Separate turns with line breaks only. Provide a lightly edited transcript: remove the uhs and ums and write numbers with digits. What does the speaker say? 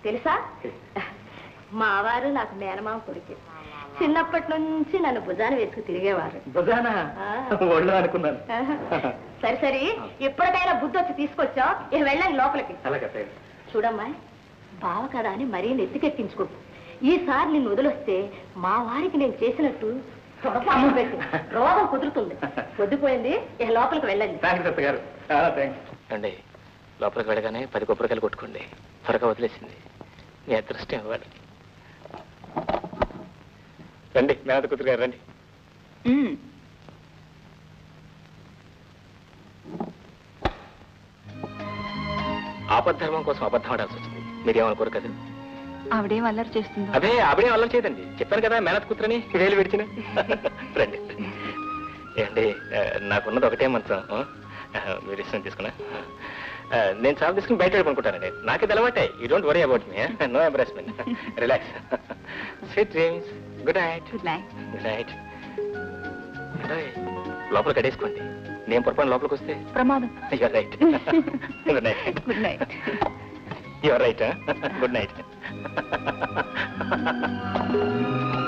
తెలుసా, మా వారు నాకు మేనమామ కొడుకు. చిన్నప్పటి నుంచి నన్ను భుజాన వేసుకు తిరిగేవారు.
భుజానా? ఒళ్ళు అనుకున్నాను.
సరే సరే, ఎప్పటికైనా బుద్ధి వచ్చి తీసుకొచ్చా, ఇక వెళ్ళండి లోపలికి. చూడమ్మా, బావ కదా అని మరీ నెత్తికెక్కించుకో. ఈసారి నిన్ను వదిలొస్తే మా వారికి నేను చేసినట్టు అమ్మ పెట్టి రోగం కుదురుతుంది. పొద్దుపోయింది, ఇక లోపలికి వెళ్ళండి.
అండి, లోపలికి వెళ్ళగానే 10 కొబ్బరికాయలు కొట్టుకోండి. త్వరగా వదిలేసింది, మీ అదృష్టం ఇవ్వాలి. రండి మేనత కూతురు గారు, రండి. ఆపద్ధర్మం కోసం అబద్ధం ఆడాల్సి వచ్చింది. మీరేమనుకోరు కదా?
ఆవిడేం అల్లరి చేస్తుంది?
అదే ఆవిడేం అల్లరి చేయదండి. చెప్పాను కదా మేనత కూతురని. వేలు విడిచిన. రండి. ఏమండి, నాకున్నది ఒకటే మంత్రం. మీరు ఇష్టం తీసుకున్నా. నేను చాలా తీసుకుని బయట వెళ్ళుకుంటానండి. నాకే అలవాటే. You don't worry about me. No embarrassment. Relax. Sweet dreams. Good night.
Good night.
Good night. లోపల కడేసుకోండి. నేను పొరపాటు లోపలికి వస్తే
ప్రమాదం.
You're right. Good night.
Good night.
You're right. Good night.